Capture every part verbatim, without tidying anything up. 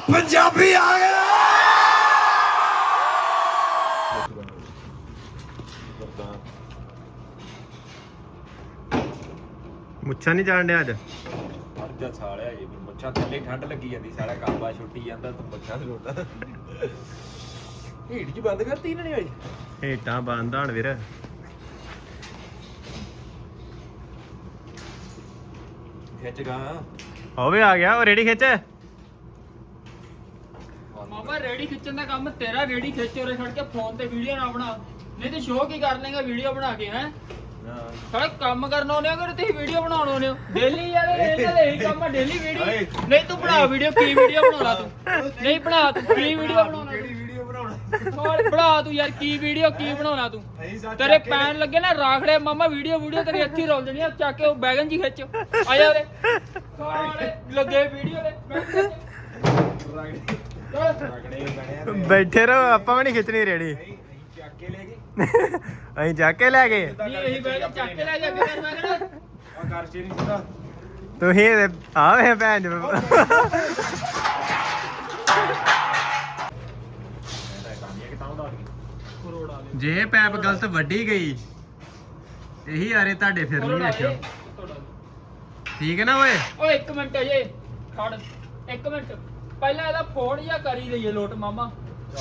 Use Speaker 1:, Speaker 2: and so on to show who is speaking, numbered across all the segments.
Speaker 1: पंजाबी आ गया।
Speaker 2: ਮੁੱਛਾਂ ਨਹੀਂ ਜਾਣ ਡਿਆ ਅੱਜ
Speaker 3: ਅਰਜਾ ਸਾਲਿਆ ਜੀ ਮੁੱਛਾਂ ਥੱਲੇ ਠੰਡ ਲੱਗੀ ਜਾਂਦੀ ਸਾਲਾ ਕਾਬਾ ਛੁੱਟੀ ਜਾਂਦਾ ਤੂੰ ਮੁੱਛਾਂ ਤੇ ਰੋਟਾ ਹੀਟ ਜੀ ਬੰਦ ਕਰਤੀ ਇਹਨਾਂ ਨੇ ਹੋਈ
Speaker 2: ਹੇਟਾਂ ਬੰਦ ਹਣ ਵੀਰ
Speaker 3: ਖਿੱਚ ਗਾ
Speaker 2: ਹੋਵੇ ਆ ਗਿਆ ਉਹ ਰੇੜੀ ਖਿੱਚ
Speaker 4: ਮਾਮਾ ਰੇੜੀ ਖਿੱਚਣ ਦਾ ਕੰਮ ਤੇਰਾ ਰੇੜੀ ਖਿੱਚ ਉਰੇ ਖੜ ਕੇ ਫੋਨ ਤੇ ਵੀਡੀਓ ਨਾ ਬਣਾ ਨਹੀਂ ਤੇ ਸ਼ੋਅ ਕੀ ਕਰ ਲੇਗਾ ਵੀਡੀਓ ਬਣਾ ਕੇ ਹੈ ਸਾਡਾ ਕੰਮ ਕਰਨ ਆਉਂਦੇ ਹੋ ਕਿ ਤੁਸੀਂ ਵੀਡੀਓ ਬਣਾਉਣ ਆਉਂਦੇ ਹੋ ਡੇਲੀ ਯਾਰ ਇਹਨਾਂ ਦਾ ਇਹੀ ਕੰਮ ਆ ਡੇਲੀ ਵੀਡੀਓ ਨਹੀਂ ਤੂੰ ਬਣਾ ਵੀਡੀਓ ਕੀ ਵੀਡੀਓ ਬਣਾਉਣਾ ਤੂੰ ਨਹੀਂ ਬਣਾ ਤੂੰ ਕੀ ਵੀਡੀਓ ਬਣਾਉਣਾ
Speaker 3: ਕਿਹੜੀ ਵੀਡੀਓ ਬਣਾਉਣਾ
Speaker 4: ਹੋਰ ਬਣਾ ਤੂੰ ਯਾਰ ਕੀ ਵੀਡੀਓ ਕੀ ਬਣਾਉਣਾ ਤੂੰ ਤੇਰੇ ਪੈਣ ਲੱਗੇ ਨਾ ਰਾਖੜੇ ਮਾਮਾ ਵੀਡੀਓ ਵੀਡੀਓ ਤੇਰੀ ਇੱਥੇ ਰੋਲ ਜਣੀ ਆ ਚੱਕ ਕੇ ਉਹ ਬੈਗਨ ਜੀ ਖਿੱਚ ਆ ਜਾ ਉਰੇ ਸਾਰੇ ਲੱਗੇ ਵੀਡੀਓ ਦੇ
Speaker 2: ਬੈਠੇ ਰਹੋ ਆਪਾਂ ਵੀ ਨਹੀਂ ਖਿੱਚਣੀ ਰੇੜੀ
Speaker 3: ਚੱਕ ਕੇ ਲੈ ਗਏ
Speaker 2: ਅਸੀਂ ਜਾ ਕੇ ਲੈ ਗਏ
Speaker 4: ਨਹੀਂ ਇਹੀ ਬੈਗ ਚੱਕ ਕੇ ਲੈ ਜਾ ਕੇ ਕਰਨਾ ਕਿਹੜਾ
Speaker 3: ਆ ਕਰ ਸ਼ੇਰੀ ਸਿੱਧਾ
Speaker 2: ਤੁਸੀਂ ਆਵੇ ਭੈਣ ਜੀ ਜੇ ਪੈਪ ਗਲਤ ਵੱਢੀ ਗਈ ਇਹੀ ਆਰੇ ਤੁਹਾਡੇ ਫਿਰ ਨਹੀਂ ਵੇਖਿਓ ਠੀਕ ਹੈ ਨਾ ਓਏ
Speaker 4: ਓਏ ਇੱਕ ਮਿੰਟ ਅਜੇ ਖੜ ਇੱਕ ਮਿੰਟ ਪਹਿਲਾਂ ਇਹਦਾ ਫੋਨ ਜਾਂ ਕਰੀ ਲਈਏ ਲੋਟ ਮਾਮਾ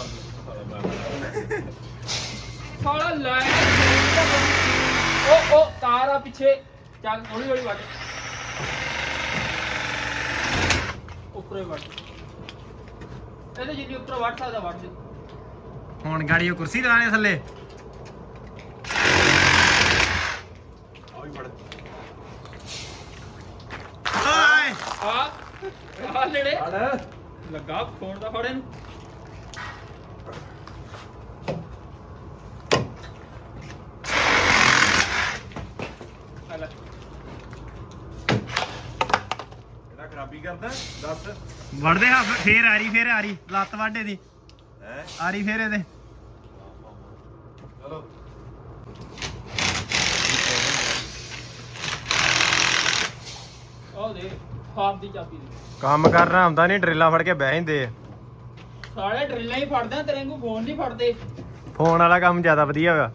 Speaker 4: ਸਾਲਾ ਲੈ ਓ ਓ ਤਾਰ ਆ ਪਿੱਛੇ ਚੱਲ ਹੌਲੀ ਹੌਲੀ ਵੱਟ ਉੱਪਰੇ ਵੱਟ ਇਹਦੇ ਜਿੰਨੀ ਉੱਪਰ ਵੱਟ ਸਕਦਾ ਵੱਟ ਦੇ
Speaker 2: ਹੁਣ ਗਾੜੀ ਉਹ ਕੁਰਸੀ ਲਾਣੇ ਥੱਲੇ ਹਾਏ
Speaker 4: ਆ ਆ ਨੇੜੇ ਲੱਗਾ ਫੋਨ ਦਾ ਫੜੇ ਨੂੰ
Speaker 3: ਇਹਦਾ ਖਰਾਬੀ ਕਰਦਾ ਦੱਸ
Speaker 2: ਵੜਦੇ ਹਾਂ ਫੇਰ ਆ ਰਹੀ ਫੇਰ ਆ ਰਹੀ ਲੱਤ ਵਾਢੇ ਦੀ
Speaker 3: ਹੈ
Speaker 2: ਆ ਰਹੀ ਫੇਰ ਇਹਦੇ
Speaker 3: ਚਲੋ
Speaker 4: ਆਹ ਦੇ ਹਾਫ ਦੀ ਚਾਬੀ ਦੇ
Speaker 2: ਕੰਮ ਕਰਨਾ ਹੁੰਦਾ ਨਹੀਂ ਡਰਿੱਲਾਂ ਫੜ ਕੇ ਬਹਿ ਜਾਂਦੇ ਆ
Speaker 4: ਸਾਰੇ ਡਰਿੱਲਾਂ ਹੀ ਫੜਦੇ ਆ ਤੇਰੇ ਨੂੰ ਫੋਨ ਨਹੀਂ ਫੜਦੇ
Speaker 2: ਫੋਨ ਵਾਲਾ ਕੰਮ ਜ਼ਿਆਦਾ ਵਧੀਆ ਹੋਗਾ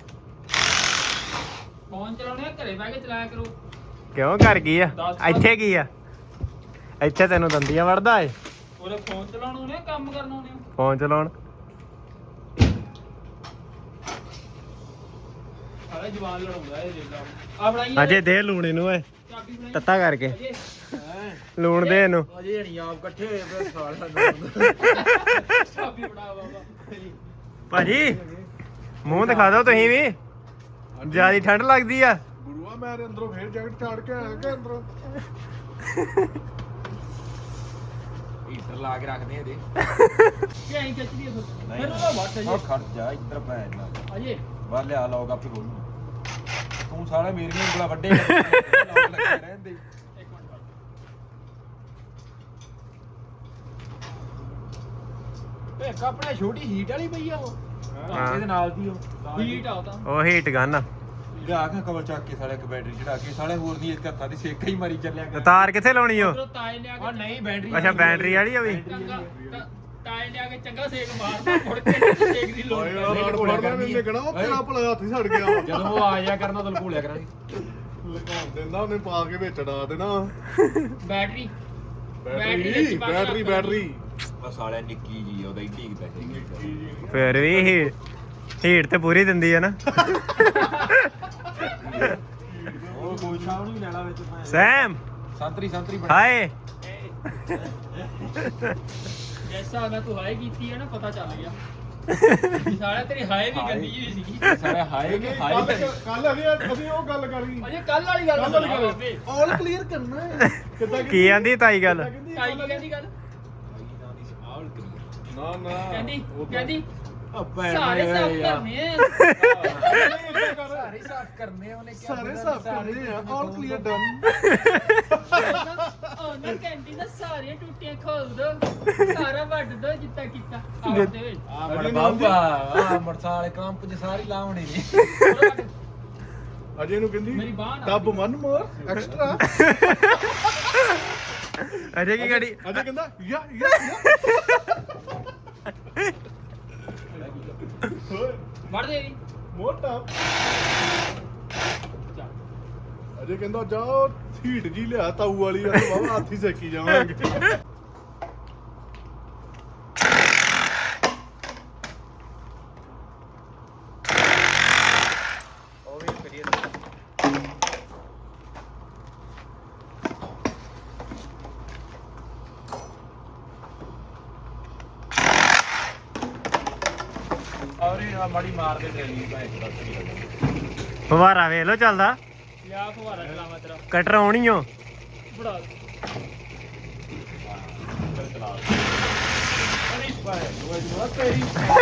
Speaker 4: ਫੋਨ ਚਲਾਉਣੇ ਆ ਘਰੇ ਬਹਿ ਕੇ ਚਲਾਇਆ ਕਰੋ
Speaker 2: ਕਿਉਂ ਕਰ ਗਈ ਆ ਇੱਥੇ ਕੀ ਆ ਇੱਥੇ ਤੈਨੂੰ ਦੰਦੀਆਂ ਵੜਦਾ ਏ
Speaker 4: ਉਹਦੇ ਫੋਨ ਚਲਾਉਣ ਆਉਣੇ ਆ ਕੰਮ ਕਰਨ ਆਉਣੇ ਆ
Speaker 2: ਫੋਨ ਚਲਾਉਣ
Speaker 4: ਸਾਰੇ ਜਵਾਨ ਲੜਾਉਂਦਾ ਇਹ ਰੇਲਾ ਆ ਬਣਾਈ
Speaker 2: ਅਜੇ ਦੇ ਲੂਣ ਇਹਨੂੰ ਓਏ
Speaker 4: ਚਾਬੀ ਬਣਾਈ
Speaker 2: ਤੱਤਾ ਕਰਕੇ
Speaker 4: ਅਜੇ
Speaker 2: ਲੂਣ ਦੇ ਇਹਨੂੰ
Speaker 3: ਅਜੇ ਨਹੀਂ ਆਪ ਇਕੱਠੇ ਹੋਏ ਪਏ ਸਾਲਿਆਂ
Speaker 4: ਚਾਬੀ ਬਣਾ ਬਾਬਾ
Speaker 2: ਭਾਜੀ ਮੂੰਹ ਦਿਖਾ ਦਿਓ ਤੁਸੀਂ ਵੀ ਜਿਆਦੀ ਠੰਡ ਲੱਗਦੀ ਆ
Speaker 1: ਗੁਰੂਆ ਮੈਂ ਅੰਦਰੋਂ ਫੇਰ ਜੈਕਟ ਚਾੜ ਕੇ ਆਇਆ ਕਿ ਅੰਦਰੋਂ
Speaker 3: ਹੀਟਰ ਲਾ ਕੇ ਰੱਖਦੇ ਇਹਦੇ
Speaker 4: ਕਿ ਐਂ ਖਿੱਚਦੀ ਫਿਰ ਫਿਰ ਉਹਦਾ ਵੱਟ
Speaker 3: ਉਹ
Speaker 4: ਅਜੇ
Speaker 3: ਖੜ ਜਾ ਇੱਧਰ ਪੈ ਜਾ
Speaker 4: ਅਜੇ
Speaker 3: ਬਾਹਰ ਲਿਆ ਲੋਗ ਆਪੇ ਖੋਲੂ ਤੂੰ ਸਾਰਾ ਮੇਰੀਆਂ ਉਂਗਲਾਂ ਵੱਡੇ ਲੋਗ ਲੱਗੇ ਰਹਿੰਦੇ
Speaker 4: ਇੱਕ ਮਿੰਟ
Speaker 3: ਏ ਇੱਕ ਆਪਣੇ ਛੋਟੀ ਹੀਟ ਵਾਲੀ ਪਈ ਆ ਉਹ
Speaker 2: ਹਾਂ।
Speaker 3: ਇਹਦੇ ਨਾਲ ਦੀ ਉਹ
Speaker 4: ਹੀਟ ਆ ਤਾਂ
Speaker 2: ਉਹ ਹੀਟ ਗਨ ਆ
Speaker 3: ਲਿਆ ਕੇ ਕਵਰ ਚੱਕ ਕੇ ਸਾਲੇ ਇੱਕ ਬੈਟਰੀ ਚੜਾ ਕੇ ਸਾਲੇ ਹੋਰ ਦੀ ਇੱਕ ਹੱਥਾਂ ਦੀ ਸੇਕਾ ਹੀ ਮਾਰੀ ਚੱਲਿਆ ਕਰ
Speaker 2: ਤਾਰ ਕਿੱਥੇ ਲਾਉਣੀ ਓ
Speaker 4: ਉਧਰੋਂ ਤਾਏ ਲਿਆ
Speaker 3: ਉਹ
Speaker 4: ਕੇ
Speaker 3: ਨਹੀਂ ਬੈਟਰੀ
Speaker 2: ਅੱਛਾ ਬੈਟਰੀ ਵਾਲੀ ਆ ਵੀ
Speaker 4: ਚੰਗਾ ਤਾ- ਤਾਏ ਲਿਆ ਕੇ ਚੰਗਾ ਸੇਕ ਮਾਰਦਾ ਮੁੜ ਕੇ ਨਹੀਂ ਸੇਕ ਦੀ ਲੋੜ
Speaker 1: ਓਏ
Speaker 4: ਪੈਂਦੀ।
Speaker 1: ਯਾਰ ਫੜਨਾ ਨਹੀਂ ਨਿਕਣਾ ਉਹ ਤੇਰਾ ਭਲਾ ਹੱਥ ਹੀ ਸੜ ਗਿਆ
Speaker 3: ਜਦੋਂ ਉਹ ਆ ਜਾਇਆ ਕਰਨਾ ਤੈਨੂੰ ਭੂਲਿਆ ਕਰਾਂਗੇ
Speaker 1: ਲਗਾਉਣ ਦਿੰਦਾ ਉਹਨੇ ਪਾ ਕੇ ਵਿੱਚ ਡਾ ਦੇਣਾ
Speaker 4: ਬੈਟਰੀ
Speaker 1: ਬੈਟਰੀ ਬੈਟਰੀ ਬੈਟਰੀ
Speaker 3: ਆ ਸਾਲਿਆ ਨਿੱਕੀ ਜੀ ਉਹਦਾ ਇੱਡੀ ਕਿ ਪੈਸੇ
Speaker 2: ਫਿਰ ਵੀ ਹੀਟ ਹੀਟ ਤੇ ਪੂਰੀ ਦਿੰਦੀ ਆ ਨਾ
Speaker 3: ਉਹ ਕੋਈ ਸ਼ਾਮ ਨੂੰ ਲੈਣਾ ਵਿੱਚ ਭਾਵੇਂ
Speaker 2: ਸੈਮ
Speaker 3: ਸੰਤਰੀ ਸੰਤਰੀ ਬਣਾ
Speaker 2: ਹਾਏ
Speaker 4: ਜੈਸਾ ਮੈਂ ਤੂੰ ਹਾਏ ਕੀਤੀ ਹੈ ਨਾ ਪਤਾ ਚੱਲ ਗਿਆ ਸਾਰਾ ਤੇਰੀ ਹਾਏ ਵੀ ਗੰਦੀ ਜਿਹੀ ਸੀਗੀ
Speaker 3: ਸਾਰੇ ਹਾਏ ਕਿ ਹਾਏ
Speaker 1: ਕੱਲ ਅभी ਅਸੀਂ ਉਹ ਗੱਲ ਕਰੀ
Speaker 4: ਅਜੇ ਕੱਲ ਵਾਲੀ ਗੱਲ
Speaker 1: ਕੱਲ
Speaker 4: ਸੁਣਾ
Speaker 1: ਵਾਲੀ
Speaker 4: ਬਾਬੇ
Speaker 1: ਗੱਲ ਆਲ ਕਲੀਅਰ ਕਰਨਾ ਹੈ ਕਿੱਦਾਂ
Speaker 2: ਕੀ ਆਂਦੀ ਤਾਈ ਗੱਲ
Speaker 4: ਤਾਈ ਕੀ ਕਹਿੰਦੀ ਗੱਲ
Speaker 1: ਨਾ ਨਾ
Speaker 4: ਕਹਿੰਦੀ ਕਹਿੰਦੀ
Speaker 3: ਸਾਰੇ
Speaker 4: ਸਾਰੇ ਸਾਫ ਕਰਨੇ ਆ
Speaker 3: ਸਾਰੇ ਸਾਫ ਕਰਨੇ ਉਹਨੇ ਕਿਹਾ
Speaker 1: ਸਾਰੇ ਸਾਫ ਕਰਨੇ ਆ ਆਲ ਕਲੀਅਰ ਡਨ
Speaker 4: ਉਹਨਾਂ ਕਹਿੰਦੀ ਨਾ ਸਾਰੀਆਂ ਟੁੱਟੀਆਂ ਖੋਲ ਦੋ ਸਾਰਾ ਵੱਢ ਦੋ ਜਿੱਤਾ ਕੀਤਾ ਆਪਦੇ ਵਿੱਚ
Speaker 3: ਆ ਮੜ ਬਾਬਾ ਆ ਮਰਸਾ ਵਾਲੇ ਕੰਪ ਚ ਸਾਰੀ ਲਾਉਣੀ ਨੇ
Speaker 1: ਅਜੇ ਨੂੰ ਕਹਿੰਦੀ
Speaker 4: ਮੇਰੀ ਬਾਂਹ ਨਾਲ
Speaker 1: ਡੱਬ ਮਨ ਮੋਰ ਐਕਸਟਰਾ
Speaker 2: ਅਜੇ ਕੀ ਗਾੜੀ
Speaker 1: ਅਜੇ ਕਹਿੰਦਾ ਯਾ ਯਾ
Speaker 4: ਵੜ ਦੇ ਜੀ
Speaker 1: ਮੋਟਾ
Speaker 4: ਚੱਲ।
Speaker 1: ਅਜੇ ਕਹਿੰਦਾ ਜਾ ਹੀਟ ਜੀ ਲਿਆ ਤਾਊ ਵਾਲੀ ਆ ਬਾਬਾ ਹੱਥੀ ਸੇਕੀ ਜਾਵਾਂਗੇ
Speaker 2: ਉਹ ਵੀ ਕਰੀਏ
Speaker 3: ਔਰੇ ਆ ਮਾੜੀ ਮਾਰ ਦੇ ਟ੍ਰੇਨਿੰਗ ਭਾਈ ਬਸ
Speaker 2: ਫਵਾਰਾ ਵੇਖ ਲੋ ਚੱਲਦਾ
Speaker 4: ਲਿਆ ਫੁਹਾਰਾ ਚਲਾਵਾਂ ਤੇਰਾ
Speaker 2: ਕਟਰ ਆਉਣੀ ਓ
Speaker 4: ਬੜਾ
Speaker 3: ਚਲਾ ਅਰੇ ਭਾਈ ਉਹ ਜੋ ਤੇਰੀ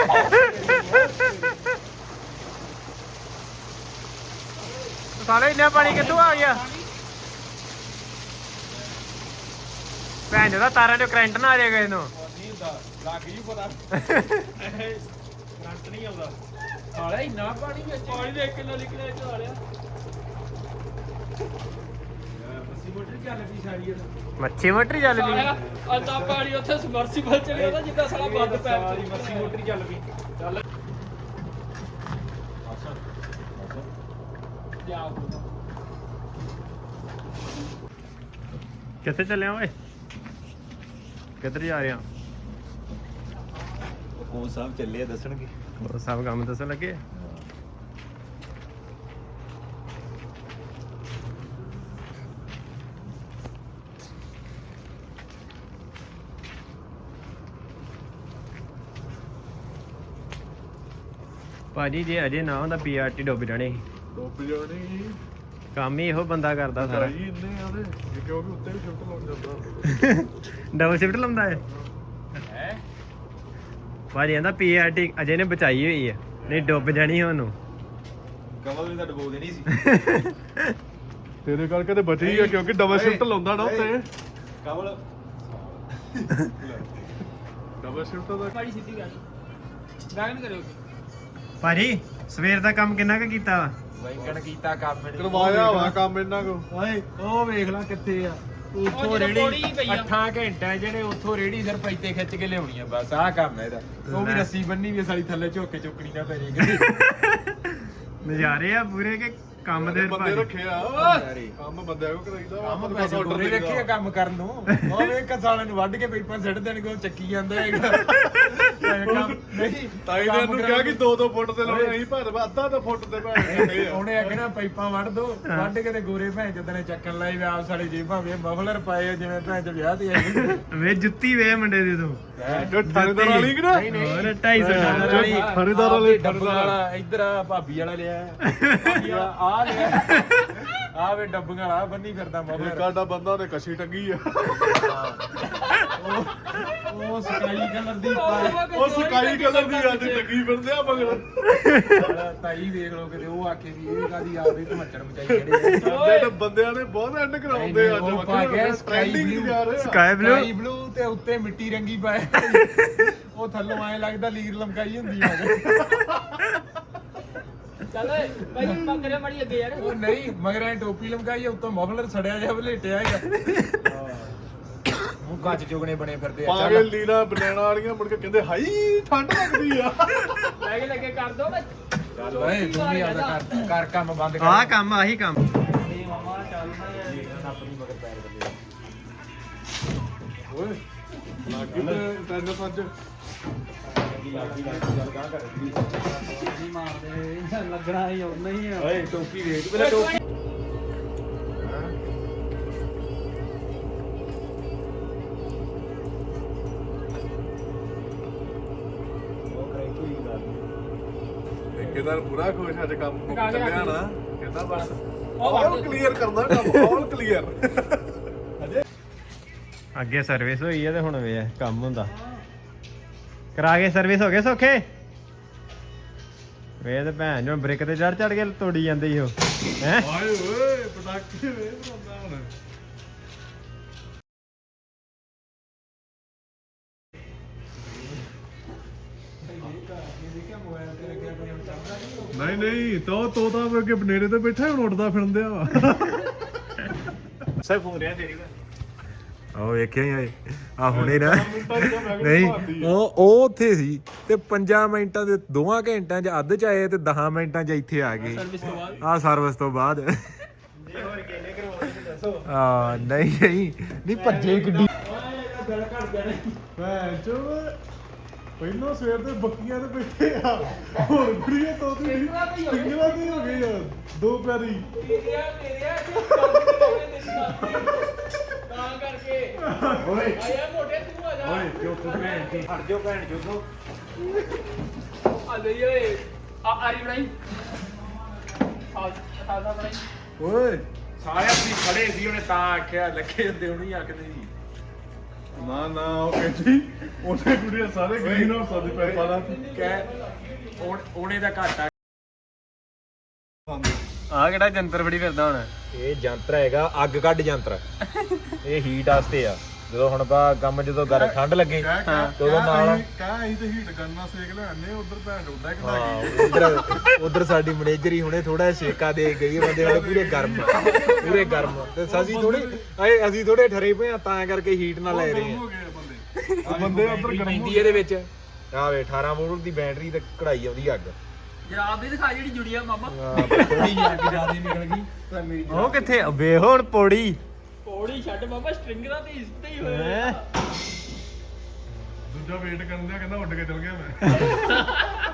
Speaker 2: ਸਾਲੇ ਇੰਨਾ ਪਾਣੀ ਕਿੱਥੋਂ ਆ ਗਿਆ ਭੈਣ ਜਿਹਦਾ ਤਾਰਾਂ ਚੋਂ ਕਰੰਟ ਨਾ ਆ ਜਾਏ ਕਿਸੇ ਨੂੰ
Speaker 3: ਨਹੀਂ ਹੁੰਦਾ ਲੱਗ ਜੂ ਪਤਾ ਕਰੰਟ ਨਹੀਂ ਆਉਂਦਾ ਸਾਲਾ ਇੰਨਾ ਪਾਣੀ ਵਿੱਚ
Speaker 4: ਪਾਣੀ ਦੇ ਕਿਲੋ ਨਿਕਲਿਆ ਚਾ ਲਿਆ
Speaker 3: ਮੱਸੀ ਮੋਟਰ ਚੱਲ ਪਈ ਸਾਰੀ
Speaker 2: ਮੱਛੀ ਮੋਟਰ ਚੱਲ ਪਈ
Speaker 4: ਅੱਧਾ ਪਾਣੀ ਉੱਥੇ ਸਮਰਸੀਬਲ ਚਲੇ ਉਹਦਾ ਜਿੱਦਾਂ ਸਾਲਾ ਬੰਦ ਪੈਪ
Speaker 3: ਸਾਰੀ ਮੱਸੀ ਮੋਟਰ ਚੱਲ ਪਈ ਚੱਲ
Speaker 4: ਜਾ
Speaker 2: ਕਿੱਥੇ ਚੱਲਿਆ ਓਏ ਕਿੱਧਰ ਜਾ ਰਿਹਾ
Speaker 3: ਉਹ ਸਭ ਚੱਲੇ ਦੱਸਣਗੇ
Speaker 2: ਉਹ ਸਭ ਕੰਮ ਦੱਸਣ ਲੱਗੇ ਭਾਜੀ ਜੇ ਅਜੇ ਨਾ ਹੁੰਦਾ ਪੀਆਰਟੀ ਡੁੱਬ ਜਾਣੇ ਸੀ।
Speaker 1: ਡੁੱਬ ਜਾਣੀ
Speaker 2: ਕੰਮ ਹੀ ਇਹੋ ਬੰਦਾ ਕਰਦਾ ਸਾਰਾ
Speaker 1: ਭਾਈ ਇੰਨੇ ਆਦੇ ਕਿਉਂਕਿ ਉੱਤੇ ਵੀ ਸ਼ਿਫਟ ਲਾਉਣ ਜਾਂਦਾ
Speaker 2: ਡਬਲ ਸ਼ਿਫਟ ਲਾਉਂਦਾ ਹੈ
Speaker 3: ਹੈ
Speaker 2: ਭਾਜੀ ਕਹਿੰਦਾ ਪੀਆਰਟੀ ਅਜੇ ਨੇ ਬਚਾਈ ਹੋਈ ਹੈ ਨਹੀਂ ਡੁੱਬ ਜਾਣੀ ਉਹਨੂੰ
Speaker 3: ਕਮਲ ਵੀ ਤਾਂ ਡਬੋ ਦੇਣੀ ਸੀ
Speaker 1: ਤੇਰੇ ਕਰਕੇ ਤੇ ਬਚੀ ਆ ਕਿਉਂਕਿ ਡਬਲ ਸ਼ਿਫਟ ਲਾਉਂਦਾ ਨਾ ਉੱਤੇ
Speaker 3: ਕਮਲ
Speaker 1: ਡਬਲ ਸ਼ਿਫਟ ਦਾ
Speaker 4: ਮਾੜੀ ਸਿੱਧੀ ਗੱਲ ਗਾਇਨ ਕਰਿਓ
Speaker 2: ਭਾਜੀ ਸਵੇਰ ਦਾ ਕੰਮ ਕਿੰਨਾ ਕੁ ਕੀਤਾ ਵਾ
Speaker 3: ਵੈਂਕਣ ਕੀਤਾ ਕੰਮ ਇਹਨੇ।
Speaker 1: ਕਰਵਾਇਆ ਵਾ ਕੰਮ ਇਹਨਾਂ ਕੋ
Speaker 3: ਓਏ ਉਹ ਵੇਖ ਲੈ ਕਿੱਥੇ ਆ
Speaker 4: ਉਹ
Speaker 3: ਉੱਥੋਂ
Speaker 4: ਜਦੋਂ
Speaker 3: ਰੇੜੀ
Speaker 4: ਪੌੜੀ ਪਈ ਆ।
Speaker 3: ਅੱਠਾਂ ਘੰਟਿਆਂ ਜਿਹੜੇ ਉੱਥੋਂ ਰੇੜੀ ਸਿਰ ਪੈਤੇ ਖਿੱਚ ਕੇ ਲਿਆਉਣੀ ਆ ਬਸ ਆਹ ਕੰਮ ਹੈ ਇਹਦਾ ਉਹ ਵੀ
Speaker 2: ਲੈ।
Speaker 3: ਰੱਸੀ ਬੰਨੀ ਵੀ ਸਾਲੀ ਥੱਲੇ ਝੋਕੇ ਚੁੱਕਣੀ ਨਾ ਪੈ ਜੇ ਕਿਤੇ
Speaker 2: ਨਜ਼ਾਰੇ ਆ ਪੂਰੇ ਕੇ ਕੰਮ ਦੇ
Speaker 1: ਬੰਦੇ
Speaker 2: ਭਾਜੀ
Speaker 1: ਰੱਖੇ ਆ
Speaker 3: ਯਾਰੇ।
Speaker 1: ਕੰਮ ਬੰਦਿਆਂ ਕੋ ਕਰਾਈਦਾ
Speaker 3: ਕੰਮ
Speaker 1: ਆਪਾਂ
Speaker 3: ਪੈਸੇ
Speaker 1: order
Speaker 3: ਦੋਰੇ
Speaker 1: ਦੇਈਦਾ।
Speaker 3: ਰੱਖੇ ਆ ਕੰਮ ਕਰਨ ਨੂੰ ਉਹ ਵੇਖ ਸਾਲਿਆਂ ਨੂੰ ਵੱਢ ਕੇ ਪੇਪਰ ਸਿੱਟ ਦੇਣਗੇ ਉਹ ਚੱਕੀ ਜਾਂਦਾ ਹੈਗਾ ਇਹ ਕੰਮ ਨਹੀਂ
Speaker 1: ਤਾਈ ਨੇ ਇਹਨੂੰ ਕਿਹਾ ਕਿ ਦੋ ਦੋ ਫੁੱਟ ਤੇ ਲਾਉਣੇ ਅਸੀਂ ਪਰ ਅੱਧਾ ਤਾਂ ਫੁੱਟ ਤੇ ਭਾਵੇਂ
Speaker 3: ਉਹਨੇ ਆਖਣਾ ਪਾਈਪਾਂ ਵੱਢ ਦੋ ਵੱਢ ਕੇ ਤੇ ਗੋਰੇ ਭੈਣ ਚੋਦ ਨੇ ਚੱਕਣ ਲਾਈ ਵੀ ਆਪ ਸਾਡੀ ਜੇਬਾਂ ਵੇ ਮਫਲਰ ਪਾਏ ਆ ਜਿਵੇਂ ਭੈਣ ਚ ਵਿਆਹ ਤੇ ਆਈ
Speaker 2: ਵੇ ਜੁੱਤੀ ਵੇ ਮੁੰਡੇ ਦੀ ਤੂੰ
Speaker 1: ਥਾਣੇਦਾਰ ਵਾਲੀ ਕਿ ਨਾ
Speaker 3: ਨਹੀਂ, ਨਹੀਂ।
Speaker 2: ਹੋਰ ਢਾਈ ਸੌ ਡਾਲਰ ਵਾਲੀ
Speaker 1: ਥਾਣੇਦਾਰ ਵਾਲੇ
Speaker 3: ਡੱਬਾ ਵਾਲਾ ਇੱਧਰ ਆ ਭਾਬੀ ਵਾਲਾ ਲਿਆ ਭਾਬੀ ਵਾਲਾ ਆ ਲਿਆ ਆ ਵੇ ਡੱਬੀਆਂ ਵਾਲਾ ਬੰਨੀ ਫਿਰਦਾ
Speaker 1: ਇੱਕ
Speaker 3: ਮਫਲਰ
Speaker 1: ਸਾਡਾ ਬੰਦਾ ਉਹਨੇ ਕੱਛੀ ਟੰਗੀ ਆ
Speaker 3: ਉਹ ਸਕਾਈ ਕਲਰ ਦੀ ਪਾ
Speaker 1: ਉਹ ਸਕਾਈ ਕਲਰ ਦੀ ਅੱਜ ਟੰਗੀ ਫਿਰਦੇ ਆ ਮਗਰ
Speaker 3: ਵਾਲਾ ਤਾਈ ਵੇਖ ਲੋ ਕਿਤੇ ਉਹ ਆਖੇ ਵੀ ਇਹ ਕਾਦੀ ਆਪਦੇ ਧਮੱਚੜ ਮਚਾਈ ਜਿਹੜੇ
Speaker 1: ਸਾਡੇ ਤਾਂ ਬੰਦਿਆਂ ਨੇ ਬਹੁਤ ਐਂਡ ਕਰਾਉਂਦੇ ਆ
Speaker 3: ਉਹ ਪਾ ਗਿਆ ਸਕਾਈ
Speaker 1: ਟ੍ਰੈਂਡਿੰਗ ਜਾ ਰਹੇ ਆ
Speaker 2: ਸਕਾਈ ਬਲੂ
Speaker 3: ਸਕਾਈ ਬਲੂ ਤੇ ਉੱਤੇ ਮਿੱਟੀ ਰੰਗੀ ਪਾਏ ਉਹ ਥੱਲੋਂ ਐ ਲੱਗਦਾ ਲੀਰ ਲਮਕਾਈ ਹੁੰਦੀ ਆ
Speaker 4: ਚੱਲ ਓਏ ਭਾਈ ਪਕੜੇ ਮਾੜੀ ਅੱਗੇ ਯਾਰ
Speaker 3: ਉਹ ਨਹੀਂ ਮਗਰ ਐ ਟੋਪੀ ਲਮਕਾਈ ਆ ਉੱਤੋਂ ਮਫਲਰ ਸੜਿਆ ਜਿਹਾ ਬਲੇਟਿਆ ਹੈਗਾ ਮੂੰਹ ਕੱਚ ਚੁਗਣੇ ਬਣੇ ਫਿਰਦੇ ਆ
Speaker 1: ਪਾ ਕੇ ਲੀਨਾ ਬਨੈਣਾ ਵਾਲੀਆਂ ਮੁੜ ਕੇ ਕਹਿੰਦੇ ਹਾਈ ਠੰਡ ਲੱਗਦੀ ਆ
Speaker 4: ਲੈ ਕੇ ਲੱਗੇ ਕਰ ਦੋ ਮੈਂ
Speaker 3: ਚੱਲ ਓਏ ਤੂੰ ਵੀ ਆਦਾ ਕਰ ਕਰ ਕੰਮ ਬੰਦ ਕਰ
Speaker 2: ਆਹ ਕੰਮ ਆਹੀ ਕੰਮ
Speaker 4: ਨਹੀਂ ਮਾਮਾ ਚੱਲ
Speaker 3: ਆਪਣੀ ਮਗਰ ਪੈਰ ਬੱਲੇ
Speaker 1: ਓਏ ਲੱਗੀ ਤੇ ਟੈਨਸ ਅੱਜ
Speaker 4: ਨਹੀਂ ਮਾਰਦੇ ਲੱਗਣਾ ਹੀ ਉਹ ਨਹੀਂ ਆ
Speaker 3: ਓਏ ਟੋਪੀ ਵੇਖ ਪਹਿਲਾਂ ਟੋਪੀ ਉਹ ਕਰੇ ਕੋਈ ਗੱਲ
Speaker 1: ਠੇਕੇਦਾਰ ਪੂਰਾ ਖੁਸ਼ ਅੱਜ ਕੰਮ ਮੁੱਕ
Speaker 4: ਕਾ ਕੇ
Speaker 1: ਚੱਲਿਆ
Speaker 4: ਰੱਖ
Speaker 1: ਨਾ ਕਹਿੰਦਾ ਬਸ
Speaker 4: ਉਹ
Speaker 1: ਆਲ
Speaker 4: ਵੜ-
Speaker 1: ਕਲੀਅਰ ਕਰਦਾ ਕੰਮ ਆਲ ਕਲੀਅਰ
Speaker 2: ਅੱਗੇ ਸਰਵਿਸ ਹੋਈ ਹੈ ਤੇ ਹੁਣ ਵੇ ਕੰਮ ਹੁੰਦਾ ਕਰਾ ਕੇ ਸਰਵਿਸ ਹੋ ਗਏ ਸੌਖੇ ਵੇ ਤੇ ਭੈਣ ਜੋ ਬ੍ਰੇਕ ਤੇ ਚੜ ਚੜ ਕੇ ਤੋੜੀ ਜਾਂਦੇ ਈ ਉਹ ਹੈ
Speaker 1: ਆਏ ਓਏ ਪਟਾਕੇ ਵੇ ਬੰਦਾ ਹੁਣ ਨਹੀਂ ਨਹੀਂ ਤੋ ਤੋਤਾ ਵਰਗੇ ਬਨੇਰੇ ਤੇ ਬੈਠਾ ਹੁਣ ਉੱਡਦਾ ਫਿਰਦਿਆ ਵਾ
Speaker 3: ਸਰ ਫੋਨ ਰਿਆ ਤੇਰੀ ਉਹ ਵੇਖਿਆ ਹੀ ਆ ਹੁਣੇ ਨਾ
Speaker 1: ਮਿੰਟਾਂ ਦੀ ਤਾਂ ਮੈਂ ਕਿਹਾ
Speaker 3: ਨਹੀਂ
Speaker 1: ਭਾਰਤੀ ਆ।
Speaker 3: ਉਹ ਉਹ ਉੱਥੇ ਸੀ ਤੇ ਪੰਜਾਂ ਮਿੰਟਾਂ ਦੇ ਦੋਵਾਂ ਘੰਟਿਆਂ 'ਚ ਅੱਧ 'ਚ ਆਏ ਤੇ ਦਸਾਂ ਮਿੰਟਾਂ 'ਚ ਇੱਥੇ ਆ ਗਏ
Speaker 4: ਸਰਵਿਸ ਤੋਂ ਬਾਅਦ
Speaker 3: ਆ ਸਰਵਿਸ ਤੋਂ ਬਾਅਦ ਆ ਨਹੀਂ ਨਹੀਂ ਨਹੀਂ ਭੱਜੇ ਗੱਡੀ
Speaker 1: ਭੈਣ ਚੋ ਪਹਿਲਾਂ ਸਵੇਰ ਦੇ ਬੱਕੀਆਂ ਤੇ ਬੈਠੇ ਆ ਹੁਣ ਕੁੜੀਆਂ ਤੋਂ ਤੇ ਟਿੰਗਰਾ ਕੀ ਹੋ ਗਈ ਯਾਰ ਦੋ ਪੈਰੀ
Speaker 4: ਤੇਰਿਆ ਤੇਰਿਆ ਤਾਂ ਕਰਕੇ
Speaker 1: ਓਏ
Speaker 4: ਆਇਆ ਮੋਟੇ ਤੂੰ ਆ ਜਾ
Speaker 1: ਓਏ ਚੁੱਪ ਭੈਣ ਦੀ
Speaker 3: ਹਟ ਜਾਓ ਭੈਣ ਚੋਦੋ
Speaker 4: ਆ ਲਈ ਓਏ ਆ ਆਰੀ ਬਣਾਈ ਸਾਲ ਸਾਲ ਦਾ ਬਣਾਈ
Speaker 1: ਓਏ
Speaker 3: ਸਾਰੇ ਆਪਣੀ ਖੜੇ ਸੀ ਉਹਨੇ ਤਾਂ ਆਖਿਆ ਲੱਗੇ ਹੁੰਦੇ ਉਹਨੂੰ ਆਖਦੇ ਸੀ
Speaker 1: ਨਾ ਨਾ ਉਹ ਕਹਿੰਦੀ ਉਹਨੇ ਕੁੜੀਆਂ ਸਾਰੇ ਗ੍ਰੀਨ ਹਾਊਸ ਦੇ ਪੈਪਾ ਲਾ
Speaker 3: ਕਹਿ ਉਹਨੇ ਦਾ ਘਾਟਾ
Speaker 2: ਆ ਕਿਹੜਾ ਜੰਤਰ ਫੜੀ ਫਿਰਦਾ ਹੁਣ
Speaker 3: ਇਹ ਯੰਤਰ ਹੈਗਾ ਅੱਗ ਕੱਢ ਯੰਤਰ ਇਹ ਹੀਟ ਵਾਸਤੇ ਆ ਜਦੋਂ ਹੁਣ ਬਾ ਕੰਮ ਜਦੋਂ ਗਰ ਠੰਡ ਲੱਗੇ ਤੇ ਉਦੋਂ ਨਾਲ
Speaker 1: ਕਹਾਂ ਅਸੀਂ ਤੇ ਹੀਟ ਕਰਨਾ ਸੇਕ ਲੈਣੇ ਉਧਰ ਭੈਣ ਉੱਡਾ ਕਿਦਾਂ
Speaker 3: ਹਾਂ ਉਧਰ ਉਧਰ ਸਾਡੀ ਮੈਨੇਜਰ ਹੀ ਹੁਣੇ ਥੋੜਾ ਛੇਕਾ ਦੇ ਗਈ ਬੰਦੇ ਸਾਡੇ ਪੂਰੇ ਗਰਮ ਪੂਰੇ ਗਰਮ ਤੇ ਅਸੀਂ ਥੋੜੇ ਅਸੀਂ ਥੋੜੇ ਠਰੇ ਪਏ ਆ ਤਾਂ ਕਰਕੇ ਹੀਟ ਨਾਲ ਲੈ ਰਹੇ
Speaker 1: ਹੋ
Speaker 3: ਆ
Speaker 1: ਗਏ ਬੰਦੇ ਆ ਬੰਦੇ ਉਧਰ ਗਰਮ
Speaker 3: ਪੈਂਦੀ ਇਹਦੇ ਵਿੱਚ ਆ ਵੇ ਅਠਾਰਾਂ ਵੋਲਟ ਦੀ ਬੈਟਰੀ ਤੇ ਕਢਾਈ ਆਉਂਦੀ ਅੱਗ
Speaker 4: ਜਰਾਬ ਵੀ ਦਿਖਾ ਜਿਹੜੀ ਜੁੜੀ ਆ ਮਾਮਾ
Speaker 3: ਥੋੜੀ ਜਿਹੀ ਅੱਗ ਜ਼ਿਆਦਾ ਨਿਕਲ ਗਈ ਤਾਂ ਮੇਰੀ
Speaker 2: ਉਹ ਕਿੱਥੇ ਵੇ ਹੁਣ ਪੌੜੀ
Speaker 4: ਪੌੜੀ ਛੱਡ ਮਾਮਾ ਸਟ੍ਰਿੰਗਰਾਂ ਤੇ ਇਸ ਤੇ ਹੀ ਹੋਇਆ
Speaker 1: ਦੂਜਾ ਵੇਟ ਕਰਨ ਦਿਆ ਕਹਿੰਦਾ ਉੱਡ ਕੇ ਚਲ ਗਿਆ ਮੈਂ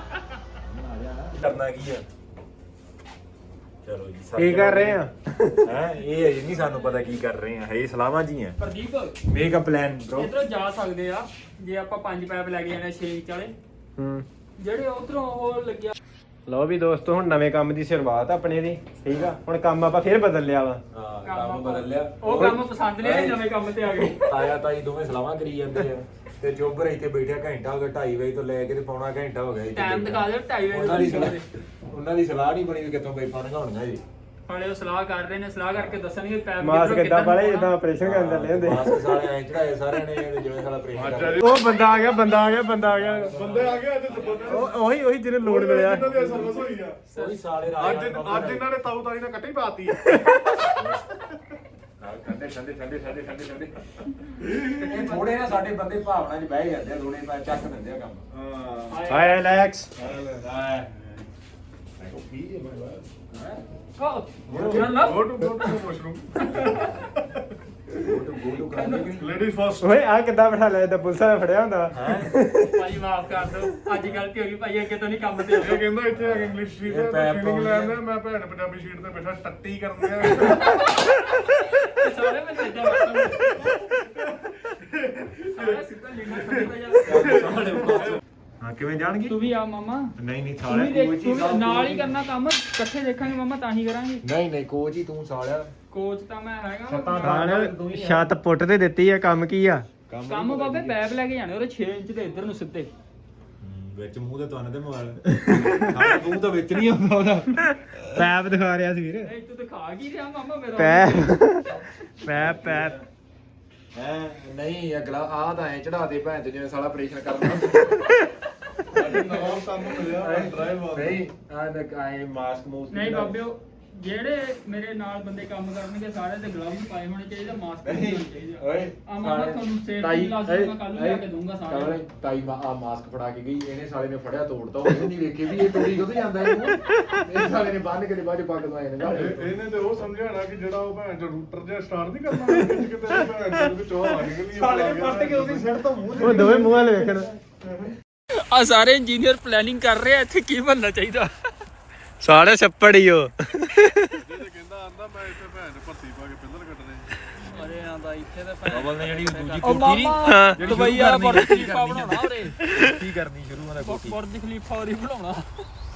Speaker 3: ਕਰਨਾ ਕੀ ਆ ਚਲੋ ਜੀ
Speaker 2: ਕੀ ਕਰ ਰਹੇ ਆ
Speaker 3: ਹੈ ਇਹ ਅਜੇ ਨਹੀਂ ਸਾਨੂੰ ਪਤਾ ਕੀ ਕਰ ਰਹੇ ਆ ਇਹ ਸਲਾਹਾਂ ਜੀ ਆ
Speaker 4: Pradeep
Speaker 3: make a plan bro
Speaker 4: ਇਧਰੋਂ ਜਾ ਸਕਦੇ ਆ ਜੇ ਆਪਾਂ ਪੰਜ ਪੈਪ ਲੈ ਕੇ ਜਾਣੇ ਛੇ ਇੰਚ ਵਾਲੇ
Speaker 2: ਹੂੰ
Speaker 4: ਜਿਹੜੇ ਉਧਰੋਂ ਉਹ ਲੱਗਿਆ
Speaker 2: ਲਓ ਵੀ ਦੋਸਤੋ ਹੁਣ ਨਵੇਂ ਕੰਮ ਦੀ ਸ਼ੁਰੂਆਤ ਆਪਣੇ ਦੀ ਠੀਕ ਆ ਹੁਣ ਕੰਮ ਆਪਾਂ ਫੇਰ ਬਦਲ ਲਿਆ ਵਾ
Speaker 3: ਹਾਂ
Speaker 4: ਕੰਮ ਬਦਲ ਲਿਆ ਉਹ ਕੰਮ ਪਸੰਦ ਨਹੀਂ ਆਏ ਨਵੇਂ ਕੰਮ ਤੇ ਆ ਗਏ
Speaker 3: ਤਾਇਆ ਤਾਈ ਦੋਵੇਂ ਸਲਾਹਾਂ ਕਰੀ ਜਾਂਦੇ ਆ ਤੇ ਜੋਬਰ ਇੱਥੇ ਬੈਠਿਆ ਘੰਟਾ ਹੋ ਗਿਆ ਢਾਈ ਵਜੇ ਤੋਂ ਲੈ ਕੇ ਤੇ ਪੌਣਾ ਘੰਟਾ ਹੋ ਗਿਆ ਇੱਥੇ
Speaker 4: ਟਾਈਮ ਦਿਖਾ ਦਿਓ ਢਾਈ ਵਜੇ
Speaker 3: ਉਹਨਾਂ ਦੀ ਸਲਾਹ ਉਹਨਾਂ ਦੀ ਸਲਾਹ ਨਹੀਂ ਬਣੀ ਵੀ ਕਿੱਥੋਂ ਪਾਈਪਾਂ ਲਗਾਉਣੀਆਂ ਜੀ
Speaker 4: ਹਾਲੇ ਉਹ ਸਲਾਹ ਕਰ ਰਹੇ ਨੇ ਸਲਾਹ ਕਰਕੇ ਦੱਸਣਗੇ ਪੈਪ
Speaker 2: ਮਾਸ
Speaker 4: ਕਿੱਧਰੋਂ
Speaker 2: ਕਿੱਦਾਂ
Speaker 4: ਕਿੱਧਰ
Speaker 2: ਵਾਲੇ
Speaker 4: ਨੂੰ
Speaker 2: ਜਿੱਦਾਂ ਆਪਰੇਸ਼ਨ ਕਰਨ ਚੱਲੇ ਹੁੰਦੇ
Speaker 3: ਮਾਸਕ ਸਾਰੇ ਐਂ ਚੜਾਏ ਸਾਰਿਆਂ ਨੇ ਤੇ ਜਿਵੇਂ ਸਾਲਾ ਪ੍ਰੇਮ
Speaker 2: ਉਹ ਬੰਦਾ ਆ ਗਿਆ ਬੰਦਾ ਆ ਗਿਆ ਬੰਦਾ ਆ ਗਿਆ
Speaker 1: ਬੰਦੇ ਆ ਗਏ ਅੱਜ ਤੇ ਬੰਦੇ
Speaker 2: ਉਹ ਉਹੀ ਉਹੀ ਜਿਹਨੇ ਲੋਡ ਮਿਲਿਆ
Speaker 1: ਇਹਨਾਂ ਦੀ ਸਰਵਿਸ ਹੋਈ ਆ
Speaker 3: ਕੋਈ ਸਾਲੇ
Speaker 1: ਅੱਜ ਅੱਜ ਇਹਨਾਂ ਨੇ ਤਾਊ ਤਾਈ ਨੇ ਕੱਟੀ ਪਾਤੀ
Speaker 3: ਠੰਡੇ ਠੰਡੇ ਠੰਡੇ ਠੰਡੇ ਠੰਡੇ ਠੰਡੇ ਇਹ ਥੋੜੇ ਨਾ ਸਾਡੇ ਬੰਦੇ ਭਾਵਨਾ 'ਚ ਬਹਿ ਜਾਂਦੇ ਆ ਥੋੜੇ ਪਾ ਚੱਕ ਦਿੰਦੇ ਆ ਕੰਮ
Speaker 1: ਹਾਂ
Speaker 2: ਹਾਏ ਰਿਲੈਕਸ
Speaker 4: ਕੋ ਨਾ ਨਾ
Speaker 1: go to go to washroom
Speaker 3: Golu ਕਰਾਂਗੇ
Speaker 1: ਲੇਡੀਜ਼ ਫਸਟ
Speaker 2: ਓਏ ਆ ਕਿੱਦਾਂ ਬਿਠਾ ਲਿਆ ਤਾਂ ਪੁਲਿਸਾਂ ਨੇ ਫੜਿਆ ਹੁੰਦਾ
Speaker 4: ਭਾਈ ਮਾਫ ਕਰ ਦਿਓ ਅੱਜ ਗਲਤੀ ਹੋ ਗਈ ਭਾਈ ਅੱਗੇ ਤੋਂ ਨਹੀਂ ਕੰਮ ਤੇ
Speaker 1: ਇਹ
Speaker 4: ਆਉਣਾ
Speaker 1: ਕਹਿੰਦਾ ਇੱਥੇ ਆ ਕੇ ਇੰਗਲਿਸ਼ ਸ਼ੀਟ
Speaker 3: ਇਹ
Speaker 1: ਤੇ
Speaker 3: ਪੈਪ
Speaker 1: ਫੀਲਿੰਗ
Speaker 3: ਪਾਉਣੀ
Speaker 1: ਲੈਂਦਾ ਮੈਂ ਭੈਣ ਪੰਜਾਬੀ ਸ਼ੀਟ ਤੇ ਬੈਠਾ ਟੱਟੀ ਕਰਨ ਦਿਆ
Speaker 4: ਸਾਰੇ ਮੈਂ ਇਦਾਂ ਬੈਠਾ ਸਾਰੇ ਸਿੱਧਾ ਲਿਖਣਾ ਚਾਹੀਦਾ
Speaker 3: ਹਾਂ ਕਿਵੇਂ ਜਾਣਗੇ
Speaker 4: ਤੂੰ ਵੀ ਆ ਮਾਮਾ
Speaker 3: ਨਹੀਂ ਨਹੀਂ
Speaker 4: ਤੂੰ ਵੀ ਦੇਖ ਤੂੰ ਵੀ ਨਾਲ ਹੀ ਕਰਨਾ ਕੰਮ ਇਕੱਠੇ ਦੇਖਾਂਗੇ ਮਾਮਾ ਤਾਂ ਹੀ ਕਰਾਂਗੇ
Speaker 3: ਨਹੀਂ ਨਹੀਂ ਕੋਚ ਹੀ ਤੂੰ ਸਾਲਿਆ
Speaker 4: ਕੋਚ ਤਾਂ ਮੈਂ ਹੈਗਾ
Speaker 3: ਛੱਤਾਂ
Speaker 2: ਖਾਣ ਛੱਤ ਪੁੱਟ ਤੇ ਦਿੱਤੀ ਆ ਕੰਮ ਕੀ ਆ
Speaker 4: ਕੰਮ ਬਾਬੇ ਪੈਪ ਲੈ ਕੇ ਜਾਣੇ ਉਹਦੇ ਛੇ ਇੰਚ ਦੇ ਇੱਧਰ ਨੂੰ ਸਿੱਧੇ
Speaker 3: ਵਿੱਚ ਮੂੰਹ ਤੇ ਤੁਹਾਨੂੰ ਤੇ ਮੋਬਾਈਲ ਸਾਡਾ ਮੂੰਹ ਤਾਂ ਵਿੱਚ ਨਹੀਂ ਆਉਂਦਾ ਉਹਦਾ
Speaker 2: ਪੈਪ ਦਿਖਾ ਰਿਹਾ ਸੀ ਵੀਰ
Speaker 4: ਇਹ ਤੂੰ ਦਿਖਾ ਕੀ ਰਿਹਾ ਮਾਮਾ ਮੇਰਾ
Speaker 2: ਪੈਪ ਪੈਪ ਪੈਪ
Speaker 3: ਹੈ ਨਹੀਂ ਅਗਲਾ ਆਹ ਤਾਂ ਐ ਚੜਾ ਦੇ ਭੈਣ ਤੇ ਜਿਵੇਂ ਸਾਲਾ ਆਪਰੇਸ਼ਨ ਕਰਨਾ
Speaker 1: ਸਾਡੇ ਨਵਾਂ ਕੰਮ ਮਿਲਿਆ ਡਰਾਈਵ ਆ
Speaker 3: ਨਹੀਂ ਆ ਦੇਖ ਆਏ ਮਾਸਕ ਮੂਸਕ
Speaker 4: ਨਹੀਂ ਬਾਬਿਓ ਜਿਹੜੇ ਮੇਰੇ ਨਾਲ ਬੰਦੇ ਕੰਮ ਕਰਨਗੇ ਸਾਰੇ ਤੇ ਗਲਵਜ਼ ਪਾਏ ਹੋਣੇ ਚਾਹੀਦੇ ਮਾਸਕ
Speaker 3: ਨਹੀਂ
Speaker 4: ਹੋਣੇ ਚਾਹੀਦੇ
Speaker 3: ਓਏ
Speaker 4: ਆ ਮਾਮਾ ਤੁਹਾਨੂੰ ਸੇਫਟੀ ਲਾਜ਼ਮੀ ਮੈਂ ਕੱਲ ਨੂੰ ਲਿਆ ਕੇ ਦੂੰਗਾ ਸਾਰੇ
Speaker 3: ਸਾਰੇ ਤਾਈ ਮਾ ਆ ਮਾਸਕ ਫੜਾ ਕੇ ਗਈ ਇਹਨੇ ਸਾਲੇ ਨੇ ਫੜਿਆ ਤੋੜਤਾ ਉਹਨੇ ਨਹੀਂ ਵੇਖੇ ਵੀ ਇਹ ਤੋੜੀ ਕਿਉਂ ਜਾਂਦਾ ਇਹਨੂੰ ਇਹ ਸਾਲੇ ਨੇ ਬੰਨ ਕੇ ਤੇ ਬਾਅਦ ਚ ਪੱਗ ਦਵਾਏ ਨੇ
Speaker 1: ਇਹ- ਇਹਨੇ ਤੇ ਉਹ ਸਮਝਾਣਾ ਕਿ ਜਿਹੜਾ ਉਹ ਭੈਣ ਚੋ ਰੂਟਰ ਜਿਹਾ ਸਟਾਰਟ ਨਹੀਂ ਕਰਨਾ ਵਿੱਚ ਕਿਤੇ ਭੈਣ ਚੋ ਵਿੱਚ ਉਹ ਆ ਨਿਕਲੀ
Speaker 3: ਸਾਲੇ ਨੇ ਪੱਟ ਕੇ ਉਹਦੀ ਸਿਰ ਤੋਂ ਮੂੰਹ
Speaker 2: ਉਹ ਦੋਵੇਂ ਮੂੰਹ ਵਾਲੇ ਵੇਖਣ
Speaker 4: ਆ ਸਾਰੇ ਇੰਜੀਨੀਅਰ ਪਲੈਨਿੰਗ ਕਰ ਰਹੇ ਆ ਇੱਥੇ ਕੀ ਬਣਨਾ ਚਾਹੀਦਾ
Speaker 2: ਸਾਲੇ ਛੱਪੜ ਹੀ ਉਹ
Speaker 1: ਜਿਹਦੇ ਕਹਿੰਦਾ ਆਂਦਾ ਮੈਂ ਇੱਥੇ ਭੈਣ ਚੋ ਭਰਤੀ ਪਾ ਕੇ ਪਿੱਲਰ ਕੱਟਣੇ
Speaker 4: ਅਰੇ ਆਂਦਾ ਇੱਥੇ ਤਾਂ
Speaker 3: ਬਬਲ ਨੇ ਜਿਹੜੀ ਦੂਜੀ
Speaker 4: ਉਹ
Speaker 3: ਕੋਠੀ
Speaker 4: ਮਾਮਾ
Speaker 3: ਜਿਹੜੀ
Speaker 4: ਦੁਬਈ ਆ
Speaker 3: ਸ਼ੁਰੂ
Speaker 4: ਬੁਰਜ
Speaker 3: ਕਰਨੀ
Speaker 4: ਖਲੀਫਾ ਬਣਾਉਣਾ ਉਰੇ
Speaker 3: ਕੀ ਕਰਨੀ ਸ਼ੁਰੂ ਉਹਦਾ ਕੋਠੀ
Speaker 4: ਬੁਰਜ ਖਲੀਫਾ ਉਰੇ ਬਣਾਉਣਾ